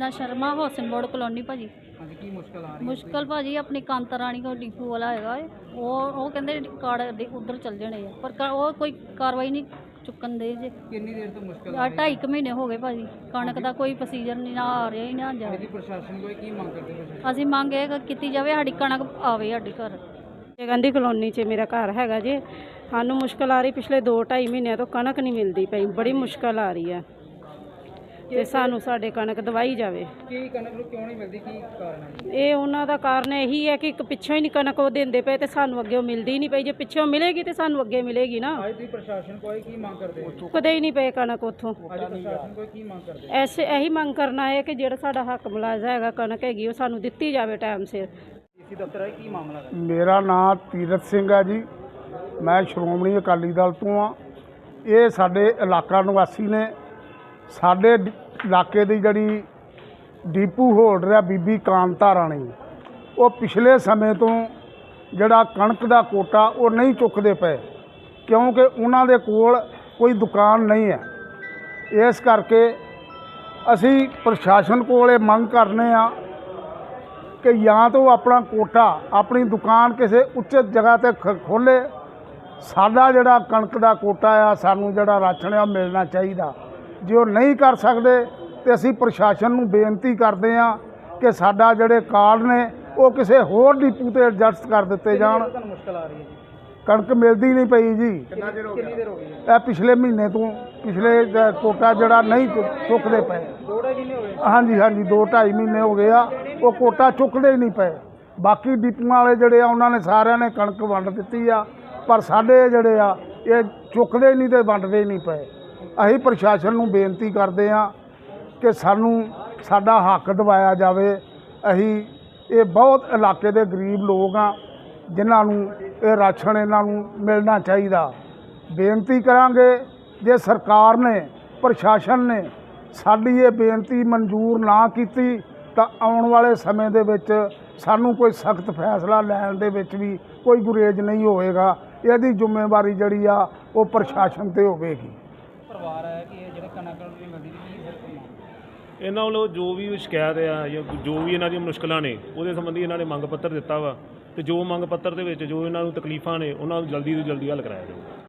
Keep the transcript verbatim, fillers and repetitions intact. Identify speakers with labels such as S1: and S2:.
S1: Meena Sharma housing board colony भाजी।
S2: ਹਾਂਜੀ ਕੀ ਮੁਸ਼ਕਲ ਆ ਰਹੀ ਹੈ?
S1: मुश्किल भाजी अपनी कांता रानी को डिपू वाला हैगा है, वो वो कहते कार्ड उधर चल जाने है, पर का- वो कोई कार्रवाई नहीं चुकन दे जे।
S2: ਕਿੰਨੀ ਦੇਰ ਤੋਂ ਮੁਸ਼ਕਲ ਆ
S1: आ
S2: ਰਹੀ
S1: ढाई कुछ महीने हो गए भाजी, कणक का कोई प्रोसीजर नहीं ना आ रहा ही ना जा
S2: ਹੈ? ਇਹਦੀ ਪ੍ਰਸ਼ਾਸਨ ਕੋਲ ਕੀ ਮੰਗ ਕਰਦੇ ਪ੍ਰਸ਼ਾਸਨ?
S1: ਅਸੀਂ ਮੰਗ ਇਹ ਕੀਤੀ ਜਾਵੇ ਸਾਡੀ ਕਣਕ ਆਵੇ ਸਾਡੇ ਘਰ।
S3: ਗਾਂਧੀ ਕਲੋਨੀ 'ਚ ਮੇਰਾ ਘਰ ਹੈਗਾ ਜੀ। ਸਾਨੂੰ ਮੁਸ਼ਕਲ ਆ ਰਹੀ, ਪਿਛਲੇ ਦੋ ਢਾਈ ਮਹੀਨਿਆਂ ਤੋਂ ਕਣਕ ਨਹੀਂ ਮਿਲਦੀ ਪਈ, ਬੜੀ ਮੁਸ਼ਕਲ ਆ ਰਹੀ ਹੈ ਤੇ ਸਾਨੂੰ ਸਾਡੇ ਕਣਕ ਦਵਾਈ ਜਾਵੇ।
S2: ਕੀ ਕਣਕ ਨੂੰ ਕਿਉਂ ਨਹੀਂ ਮਿਲਦੀ, ਕੀ ਕਾਰਨ ਹੈ?
S3: ਇਹ ਉਹਨਾਂ ਦਾ ਕਾਰਨ ਇਹੀ ਹੈ ਕਿ ਇੱਕ ਪਿੱਛੋਂ ਹੀ ਨਹੀਂ ਕਣਕ ਉਹ ਦਿੰਦੇ ਪਏ ਤੇ ਸਾਨੂੰ ਅੱਗੇ ਮਿਲਦੀ ਨਹੀਂ ਪਈ। ਜੇ ਪਿੱਛੋਂ ਮਿਲੇਗੀ ਤੇ ਸਾਨੂੰ ਅੱਗੇ ਮਿਲੇਗੀ ਨਾ।
S2: ਅੱਜ ਦੀ ਪ੍ਰਸ਼ਾਸਨ ਕੋਲ ਕੀ ਮੰਗ ਕਰਦੇ ਹੋ?
S3: ਚੁੱਕਦੇ ਹੀ ਨਹੀਂ ਪਏ ਕਣਕ ਉੱਥੋਂ।
S2: ਅੱਜ ਪ੍ਰਸ਼ਾਸਨ ਕੋਲ ਕੀ ਮੰਗ ਕਰਦੇ ਹੋ?
S3: ਐਸੇ ਇਹੀ ਮੰਗ ਕਰਨਾ ਹੈ ਕਿ ਜਿਹੜਾ ਸਾਡਾ ਹੱਕ ਮੁਲਾਜ਼ਾ ਹੈਗਾ, ਕਣਕ ਹੈਗੀ, ਉਹ ਸਾਨੂੰ ਦਿੱਤੀ ਜਾਵੇ ਟਾਈਮ ਸਿਰ।
S2: ਡੀਸੀ ਦਫ਼ਤਰ ਹੈ, ਕੀ ਮਾਮਲਾ ਹੈ?
S4: ਮੇਰਾ ਨਾਮ ਤੀਰਥ ਸਿੰਘ ਹੈ ਜੀ। ਮੈਂ ਸ਼੍ਰੋਮਣੀ ਅਕਾਲੀ ਦਲ ਤੋਂ ਆ। ਇਹ ਸਾਡੇ ਇਲਾਕਾ ਨਿਵਾਸੀ ਨੇ। ਸਾਡੇ ਡ- ਇਲਾਕੇ ਦੀ ਜਿਹੜੀ ਡੀਪੂ ਹੋਲਡਰ ਆ ਬੀਬੀ ਕਾਂਤਾ ਰਾਣੀ, ਉਹ ਪਿਛਲੇ ਸਮੇਂ ਤੋਂ ਜਿਹੜਾ ਕਣਕ ਦਾ ਕੋਟਾ ਉਹ ਨਹੀਂ ਚੁੱਕਦੇ ਪਏ, ਕਿਉਂਕਿ ਉਹਨਾਂ ਦੇ ਕੋਲ ਕੋਈ ਦੁਕਾਨ ਨਹੀਂ ਹੈ। ਇਸ ਕਰਕੇ ਅਸੀਂ ਪ੍ਰਸ਼ਾਸਨ ਕੋਲ ਇਹ ਮੰਗ ਕਰਨੇ ਆ ਕਿ ਜਾਂ ਤਾਂ ਉਹ ਆਪਣਾ ਕੋਟਾ ਆਪਣੀ ਦੁਕਾਨ ਕਿਸੇ ਉੱਚਿਤ ਜਗ੍ਹਾ ਤੇ ਖੋਲ੍ਹੇ। ਸਾਡਾ ਜਿਹੜਾ ਕਣਕ ਦਾ ਕੋਟਾ ਆ, ਸਾਨੂੰ ਜਿਹੜਾ ਰਾਸ਼ਨ ਆ, ਮਿਲਣਾ ਚਾਹੀਦਾ। ਜੇ ਉਹ ਨਹੀਂ ਕਰ ਸਕਦੇ ਤੇ ਅਸੀਂ ਪ੍ਰਸ਼ਾਸਨ ਨੂੰ ਬੇਨਤੀ ਕਰਦੇ ਆ ਕਿ ਸਾਡਾ ਜਿਹੜੇ ਕਾਰਡ ਨੇ ਉਹ ਕਿਸੇ ਹੋਰ ਡਿਪੂ ਤੇ ਐਡਜਸਟ ਕਰ ਦਿੱਤੇ ਜਾਣ।
S2: ਤੁਹਾਨੂੰ ਮੁਸ਼ਕਲ ਆ ਰਹੀ ਹੈ ਜੀ?
S4: ਕਣਕ ਮਿਲਦੀ ਨਹੀਂ ਪਈ ਜੀ।
S2: ਕਿੰਨਾ ਚਿਰ ਹੋ ਗਿਆ? ਕਿੰਨੀ ਦੇਰ ਹੋ ਗਈ ਹੈ?
S4: ਇਹ ਪਿਛਲੇ ਮਹੀਨੇ ਤੋਂ ਪਿਛਲੇ ਜ- ਕੋਟਾ ਜਿਹੜਾ ਨਹੀਂ ਚੁ- ਚੁੱਕਦੇ ਪਏ।
S2: ਦੋ ਢਾਈ ਮਹੀਨੇ ਹੋ ਗਏ?
S4: ਹਾਂਜੀ ਹਾਂਜੀ ਦੋ ਢਾਈ ਮਹੀਨੇ ਹੋ ਗਏ ਆ, ਉਹ ਕੋਟਾ ਚੁੱਕਦੇ ਹੀ ਨਹੀਂ ਪਏ। ਬਾਕੀ ਡਿਪੂਆਂ ਵਾਲੇ ਜਿਹੜੇ ਆ ਉਹਨਾਂ ਨੇ ਸਾਰਿਆਂ ਨੇ ਕਣਕ ਵੰਡ ਦਿੱਤੀ ਆ, ਪਰ ਸਾਡੇ ਜਿਹੜੇ ਆ ਇਹ ਚੁੱਕਦੇ ਹੀ ਨਹੀਂ ਤੇ ਵੰਡਦੇ ਹੀ ਨਹੀਂ ਪਏ। ਅਸੀਂ ਪ੍ਰਸ਼ਾਸਨ ਨੂੰ ਬੇਨਤੀ ਕਰਦੇ ਆ ਕਿ ਸਾਨੂੰ ਸਾਡਾ ਹੱਕ ਦਿਵਾਇਆ ਜਾਵੇ। ਅਸੀਂ ਇਹ ਬਹੁਤ ਇਲਾਕੇ ਦੇ ਗਰੀਬ ਲੋਕ ਆ ਜਿਨ੍ਹਾਂ ਨੂੰ ਇਹ ਰਾਸ਼ਨ ਇਹਨਾਂ ਨੂੰ ਮਿਲਣਾ ਚਾਹੀਦਾ। ਬੇਨਤੀ ਕਰਾਂਗੇ, ਜੇ ਸਰਕਾਰ ਨੇ ਪ੍ਰਸ਼ਾਸਨ ਨੇ ਸਾਡੀ ਇਹ ਬੇਨਤੀ ਮਨਜ਼ੂਰ ਨਾ ਕੀਤੀ ਤਾਂ ਆਉਣ ਵਾਲੇ ਸਮੇਂ ਦੇ ਵਿੱਚ ਸਾਨੂੰ ਕੋਈ ਸਖਤ ਫੈਸਲਾ ਲੈਣ ਦੇ ਵਿੱਚ ਵੀ ਕੋਈ ਗੁਰੇਜ਼ ਨਹੀਂ ਹੋਵੇਗਾ। ਇਹਦੀ ਜ਼ਿੰਮੇਵਾਰੀ ਜਿਹੜੀ ਆ ਉਹ ਪ੍ਰਸ਼ਾਸਨ ਤੇ ਹੋਵੇਗੀ।
S2: ਪਰਿਵਾਰ ਹੈ ਕਿ ਇਹ ਜਿਹੜੇ ਕਣਕ ਨਹੀਂ ਮਿਲਦੀ, ਕੀ ਸਿਰ ਤੋਂ
S5: ਇਹਨਾਂ ਵੱਲੋਂ ਜੋ ਵੀ ਸ਼ਿਕਾਇਤ ਆ ਜਾਂ ਜੋ ਵੀ ਇਹਨਾਂ ਦੀਆਂ ਮੁਸ਼ਕਲਾਂ ਨੇ ਉਹਦੇ ਸੰਬੰਧੀ ਇਹਨਾਂ ਨੇ ਮੰਗ ਪੱਤਰ ਦਿੱਤਾ ਵਾ, ਤੇ ਜੋ ਮੰਗ ਪੱਤਰ ਦੇ ਵਿੱਚ ਜੋ ਇਹਨਾਂ ਨੂੰ ਤਕਲੀਫਾਂ ਨੇ ਉਹਨਾਂ ਨੂੰ ਜਲਦੀ ਤੋਂ ਜਲਦੀ ਹੱਲ ਕਰਾਇਆ ਜਾਵੇ।